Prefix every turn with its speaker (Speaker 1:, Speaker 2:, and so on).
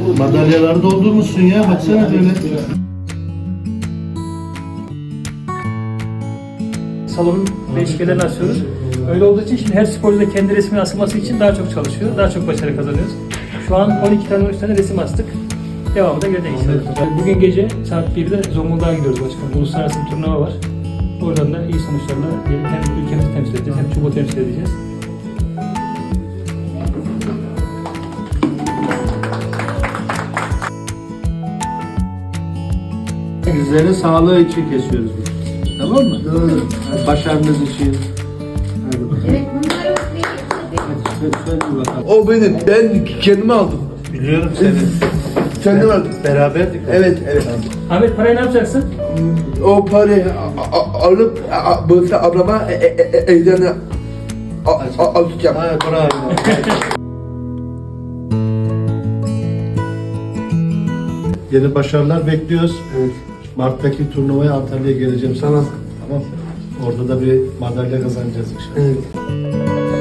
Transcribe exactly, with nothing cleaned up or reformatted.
Speaker 1: Madalyaları doldurmuşsun ya, baksana böyle.
Speaker 2: Salonun değişiklerini asıyoruz. Öyle olduğu için şimdi her sporcu da kendi resmini asılması için daha çok çalışıyor, daha çok başarı kazanıyoruz. Şu an on iki tane on üç tane resim astık. Devamı da gelecek inşallah. Bugün gece saat birde Zonguldak'a gidiyoruz başkanım. Uluslararası bir turnuva var. Oradan da iyi sonuçlarla hem ülkemizi temsil edeceğiz hem çubuğu temsil edeceğiz.
Speaker 1: Sizlerin sağlığı için kesiyoruz bunu. Tamam mı? Doğru. Başarınız için. Hadi bakalım.
Speaker 3: Evet, bunlar yok değil.
Speaker 1: Hadi söyle bakalım.
Speaker 4: O benim. Ben kendimi aldım.
Speaker 1: Biliyorum seni.
Speaker 4: Kendim aldım.
Speaker 1: Beraberdik.
Speaker 4: Evet, evet.
Speaker 2: Ahmet parayı ne yapacaksın?
Speaker 4: O parayı a- a- alıp a- böyle ablama e- e- e- evden a- a- atacağım.
Speaker 1: Ha, bravo. Yeni başarılar bekliyoruz.
Speaker 4: Evet.
Speaker 1: Mart'taki turnuvaya Antalya'ya geleceğim sana.
Speaker 4: Tamam.
Speaker 1: Tamam. Orada da bir madalya kazanacağız inşallah.
Speaker 4: Evet.